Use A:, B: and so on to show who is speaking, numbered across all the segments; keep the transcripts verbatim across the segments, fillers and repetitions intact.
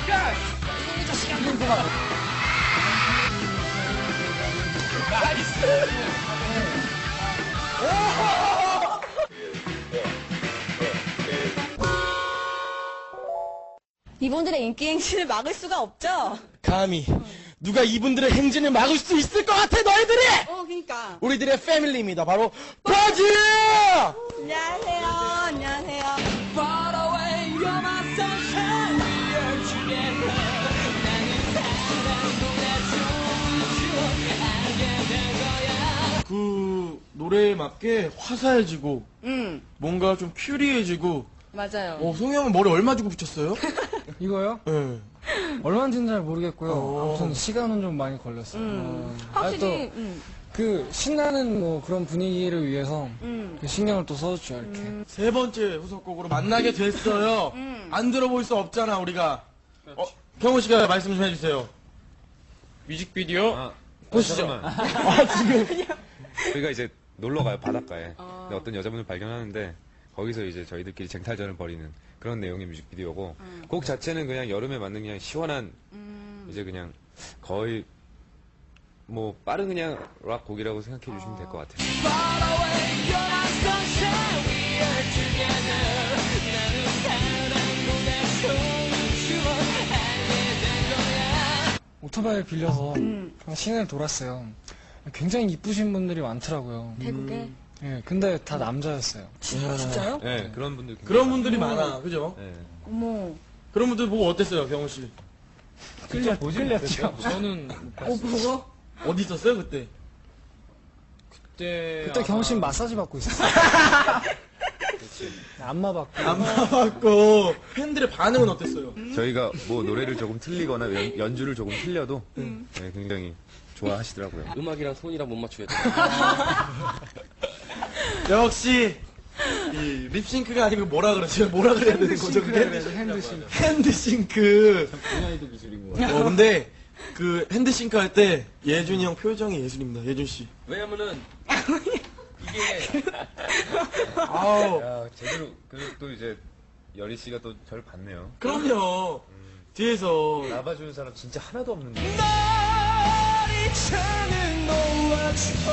A: 야! 이놈의 자식아! 나이스!
B: 이분들의 인기 행진을 막을 수가 없죠?
C: 감히 누가 이분들의 행진을 막을 수 있을 것 같아 너희들이!
B: 어, 그니까.
C: 우리들의 패밀리입니다. 바로 버즈!
B: 안녕하세요. 안녕하세요.
A: Far away, you're my sunshine. We are together. 나는 사랑보다 좋은 추억 알게 된 거야.
C: 그 노래에 맞게 화사해지고
B: 음,
C: 뭔가 좀 큐리해지고.
B: 맞아요.
C: 어, 송이 형은 머리 얼마 주고 붙였어요?
D: 이거요?
C: 네.
D: 얼마인지는 잘 모르겠고요.
C: 어.
D: 아무튼 시간은 좀 많이 걸렸어요.
B: 음,
D: 어.
B: 확실히,
D: 아, 또
B: 음,
D: 그 신나는 뭐 그런 분위기를 위해서
B: 음.
D: 그 신경을 또 써줬죠, 이렇게.
C: 세 번째 후속곡으로 만나게 됐어요.
B: 음.
C: 안 들어볼 수 없잖아, 우리가. 어, 경호 씨가 말씀 좀 해주세요.
E: 뮤직비디오
F: 아,
E: 보시죠.
C: 아, 지금.
F: 저희가 이제 놀러 가요, 바닷가에. 근데 어떤 여자분을 발견하는데, 거기서 이제 저희들끼리 쟁탈전을 벌이는 그런 내용의 뮤직비디오고, 곡 자체는 그냥 여름에 맞는 그냥 시원한, 이제 그냥 거의, 뭐, 빠른 그냥 락 곡이라고 생각해 주시면 될 것 같아요.
A: Far away, you're my sunshine. We are together. 나는 사랑보다 좋은 추억 알게 된 거야.
D: 오토바이를 빌려서
B: 음.
D: 그냥 시내를 돌았어요. 굉장히 이쁘신 분들이 많더라고요.
B: 태국에.
D: 예, 근데 다 남자였어요.
B: 진짜요?
F: 네, 그런 분들. 굉장히
C: 그런 분들이 많아, 그죠?
F: 많아요. 네.
B: 어머.
C: 그런 분들 보고 어땠어요, 경호 씨?
D: 끌려, 끌렸죠.
E: 저는
B: 어, 보고?
C: 어디 있었어요, 그때?
E: 그때
D: 그때 경호 씨는 마사지 받고 있었어요. 안마 받고.
C: 안 봐봤고. 팬들의 반응은 어땠어요?
F: 저희가 뭐 노래를 조금 틀리거나 연, 연주를 조금 틀려도, 네, 굉장히 좋아하시더라고요.
G: 음악이랑 손이랑 못 맞추겠다.
C: 역시, 이 립싱크가 아니고 뭐라 그러지? 뭐라 그래야 되는 거죠, 그게?
D: 핸드싱.
C: 핸드싱크.
G: 분야에도 기술인 거.
C: 어, 근데, 그, 핸드싱크 할 때, 예준이 형 표정이 예술입니다, 예준 씨.
G: 왜냐면은 이게
C: 아우.
F: 야, 제대로, 그리고 또 이제, 여리 씨가 또 저를 봤네요.
C: 그럼요. 뒤에서.
F: 나봐주는 사람 진짜 하나도 없는데.
A: 이차는 놓아줘.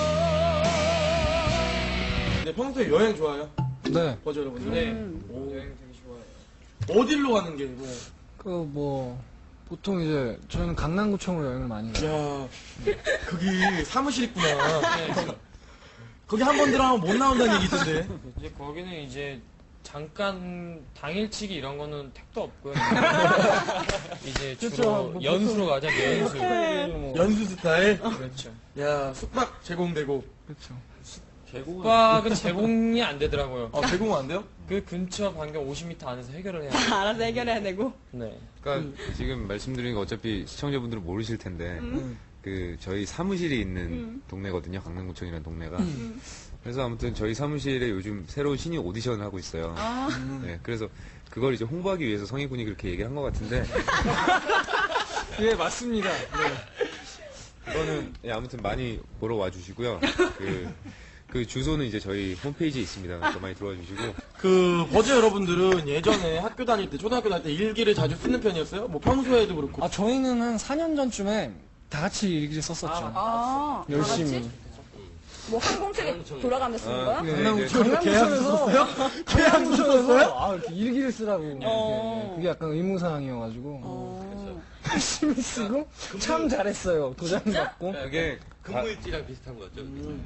C: 네, 평소에 여행 좋아요?
D: 네.
C: 버즈 여러분들?
E: 네.
C: 오.
E: 여행 되게 좋아해요.
C: 어디로 가는 게, 뭐.
D: 그 뭐, 보통 이제 저희는 강남구청으로 여행을 많이 가요.
C: 야, 거기 사무실 있구나. 거기 한 번 들어가면 못 나온다는 얘기 있던데.
E: 이제 거기는 이제 잠깐 당일치기 이런 거는 택도 없고요. 이제 주로
D: 그렇죠. 뭐
E: 연수로 가자, 연수.
C: 연수 스타일?
E: 그렇죠.
C: 야, 숙박 제공되고.
D: 그렇죠.
E: 숙박은 제공이 안 되더라고요.
C: 아, 제공 안 돼요?
E: 그 근처 반경 오십 미터 안에서 해결을 해야 돼요.
B: 알아서 해결해야 되고.
E: 네.
F: 그러니까 지금 말씀드린 거 어차피 시청자분들은 모르실 텐데, 그 저희 사무실이 있는 동네거든요. 강남구청이라는 동네가. 그래서 아무튼 저희 사무실에 요즘 새로운 신입 오디션을 하고 있어요. 네, 그래서 그걸 이제 홍보하기 위해서 성희군이 그렇게 얘기를 한 것 같은데,
D: 예, 맞습니다. 네.
F: 그거는 예, 아무튼 많이 보러 와주시고요. 그, 그 주소는 이제 저희 홈페이지에 있습니다. 그러니까 많이 들어와 주시고.
C: 그, 버즈 여러분들은 예전에 학교 다닐 때, 초등학교 다닐 때 일기를 자주 쓰는 편이었어요? 뭐 평소에도 그렇고.
D: 아, 저희는 한 사 년 전쯤에 다 같이 일기를 썼었죠.
B: 아,
D: 열심히.
B: 뭐 항공책에 돌아가면서 쓰는 거야?
D: 네.
C: 강남구청에서 계약서 썼어요? 계약서 썼어요?
D: 아, 이렇게 일기를 쓰라고. 이렇게.
B: 어.
D: 그게 약간 의무사항이어가지고.
B: 어.
D: 열심히 쓰고, 참 잘했어요. 도장 받고.
F: 이게
G: 근무일지랑 비슷한 거였죠.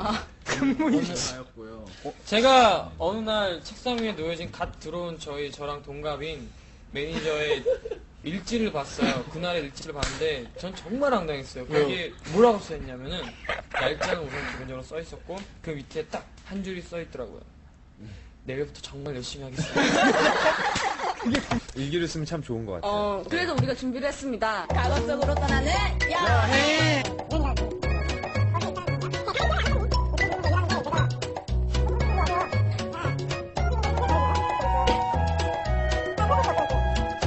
E: 제가 어느 날 책상 위에 놓여진 갓 들어온 저희 저랑 동갑인 매니저의 일지를 봤어요. 그날의 일지를 봤는데 전 정말 황당했어요. 거기에 뭐라고 써있냐면은 날짜는 우선 기본적으로 써있었고 그 밑에 딱 한 줄이 써있더라고요. 내일부터 정말 열심히 하겠습니다.
F: 일기를 쓰면 참 좋은 것 같아요.
B: 어, 그래서 우리가 준비를 했습니다. 과거 속으로 떠나는 여행!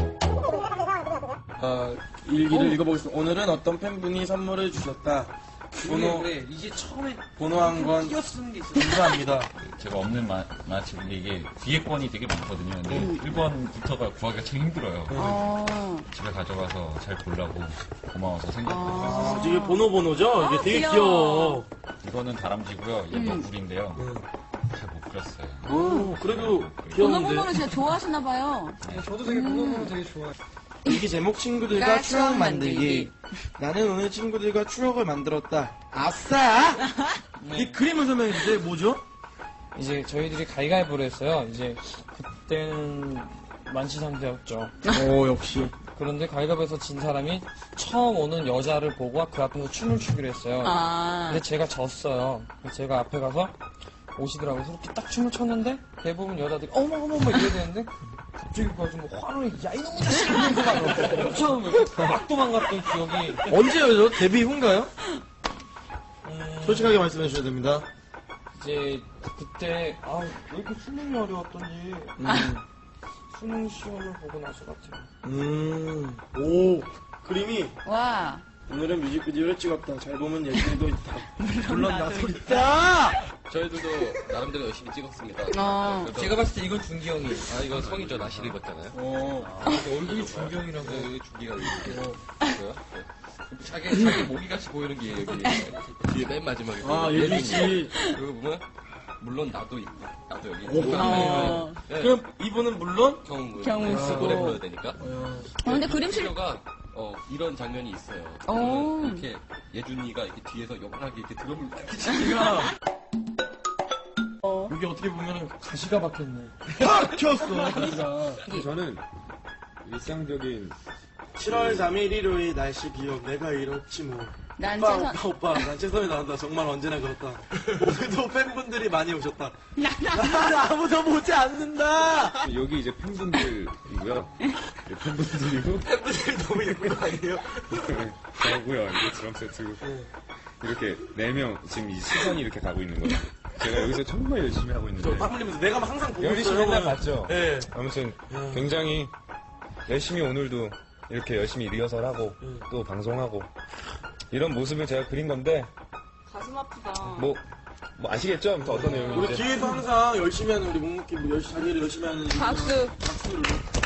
C: 아, 일기를 읽어보겠습니다. 오늘은 어떤 팬분이 선물을 주셨다. 번호,
G: 그래, 이게 처음에
C: 번호 한 건
G: 쓰는 게 있어.
C: 감사합니다.
H: 제가 없는 마, 마치인데 이게 뒤에 건이 되게 많거든요. 근데 일 번부터가 구하기가 참 힘들어요.
B: 어.
H: 집에 가져가서 잘 보려고 고마워서 생겼고
C: 아, 이게 번호 번호죠? 이게 되게
B: 귀여워.
C: 귀여워.
H: 이거는 다람쥐고요. 얘 너구리인데요. 잘 못 그렸어요.
C: 오, 그래도
B: 번호
C: 귀여운데.
B: 번호를 진짜 좋아하시나봐요.
D: 저도 되게 번호번호 되게 좋아해요.
C: 일기 제목 친구들과
B: 그러니까
C: 추억
B: 추억
C: 만들기.
B: 만들기.
C: 나는 오늘 친구들과 추억을 만들었다. 아싸! 이 그림을 설명해 주세요. 뭐죠?
E: 이제 저희들이 가위가위보를 했어요. 이제 그때는 만시상대였죠.
C: 오, 역시.
E: 그런데 가위바위보에서 진 사람이 처음 오는 여자를 보고 그 앞에서 춤을 추기로 했어요.
B: 아.
E: 근데 제가 졌어요. 그래서 제가 앞에 가서 오시더라고요. 그래서 이렇게 딱 춤을 췄는데 대부분 여자들이 어머 어머 어머 이래야 되는데 갑자기 가서 뭐 화를 야 이놈의 자식 이러면서 막 처음에 막 도망갔던 기억이.
C: 언제요? 데뷔 후인가요? 솔직하게 말씀해 주셔야 됩니다.
E: 이제 그때 아 왜 이렇게 수능이 어려웠던지 수능 시험을 보고 나서 같아요.
C: 음, 오, 그림이
B: 와.
C: 오늘은 뮤직비디오를 찍었다. 잘 보면 예술도 있다. 물론 나도 있다.
G: 저희들도 나름대로 열심히 찍었습니다.
B: 어.
G: 그래서-
E: 제가 봤을 때 이건 준기형이에요.
G: 아, 이건 성이죠. 나시를 입었잖아요.
C: 어,
E: 얼굴이 준기형이라고.
G: 네, 여기 준기가 이렇게. 뭐요? 네. 자기, 자기 모기같이 보이는 게 여기. 뒤에 맨 마지막에.
C: 아, 예준 씨.
G: 그리고 보면, 물론 나도 있고, 나도 여기.
C: 오,
B: 어.
G: 네.
C: 그럼 이분은 물론
G: 경훈.
B: 경훈
G: 아,
B: 쓰고.
G: 노래 불러야 되니까.
B: 어, 근데 그림실.
G: 가 어, 이런 장면이 있어요.
B: 오.
G: 그러면 이렇게 예준이가 이렇게 뒤에서 영원하게 이렇게 드럼을 이렇게 치니까
C: 여기 어떻게 보면은
D: 가시가 박혔네.
C: 박혔어.
F: 저는 일상적인
C: 칠월 삼일 일요일 날씨 기억 내가 이렇지 뭐.
B: 난
C: 오빠,
B: 최선.
C: 오빠, 오빠, 난 최선이 나온다. 정말 언제나 그렇다. 오늘도 팬분들이 많이 오셨다. 나는 아무도 보지 않는다.
F: 여기 이제 팬분들이고요. 네, 팬분들이고
C: 팬분들이 너무 예쁜 거 아니에요?
F: 저고요. 이게 드럼 세트고 이렇게 네 명 지금 이 시선이 이렇게 가고 있는 거예요. 제가 여기서 정말 열심히 하고 있는데
C: 땀 흘리면서 내가 항상 보고
F: 영진 씨
C: 있어요.
F: 맨날 봤죠?
C: 네.
F: 아무튼 굉장히 열심히 오늘도 이렇게 열심히 리허설하고
C: 음.
F: 또 방송하고 이런 모습을 제가 그린 건데
B: 가슴 아프다.
F: 뭐, 뭐 아시겠죠? 아무튼 어떤
C: 우리
F: 내용인지.
C: 뒤에서 항상 열심히 하는 우리 묵묵히 뭐 열심히 자기를 열심히 하는
B: 박수.
C: 박수를.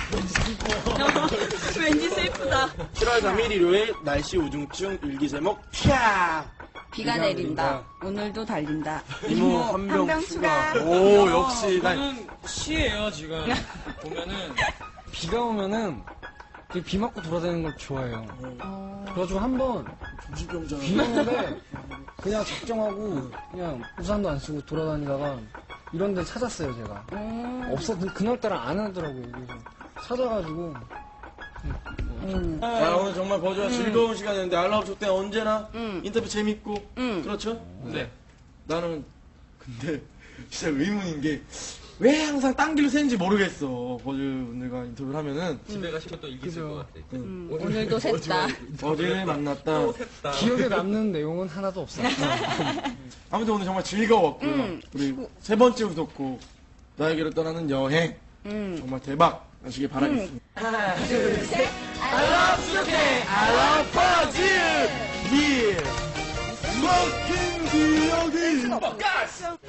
B: 왠지 슬프다.
C: 칠월 삼일 일요일 날씨 우중충 일기 제목 캬.
B: 비가 내린다. 오늘도 달린다.
C: 이모
B: 한
C: 한병
B: 병
C: 추가.
B: 추가.
C: 오 역시 난
E: 저는 시예요 지금. 보면은
D: 비가 오면은 되게 비 맞고 돌아다니는 걸 좋아해요. 그래가지고 한번 비 오는데 그냥 작정하고 그냥 우산도 안 쓰고 돌아다니다가 이런 데 찾았어요, 제가.
B: 음.
D: 없어, 그날따라 안 하더라고요. 그래서 찾아가지고
B: 음.
C: 자, 오늘 정말 버즈와 즐거운 시간이었는데 알라우쇼 때 언제나
B: 음.
C: 인터뷰 재밌고
B: 음.
C: 그렇죠?
E: 네.
C: 나는 근데 진짜 의문인 게 왜 항상 딴 길로 새는지 모르겠어. 버즈 분들과 인터뷰를 하면은
G: 집에 가시면 또 일기 쓸 것 같아.
B: 음. 오늘도 샜다.
C: 버즈를 만났다.
D: 기억에 남는 내용은 하나도 없어요.
C: 아무튼 오늘 정말 즐거웠고요.
B: 음.
C: 우리 세 번째 후속곡 나에게로 떠나는 여행
B: 음.
C: 정말 대박 나시길 바라겠습니다. 하나 둘셋 I love you, I love 버즈 yeah. 먹힌 기억이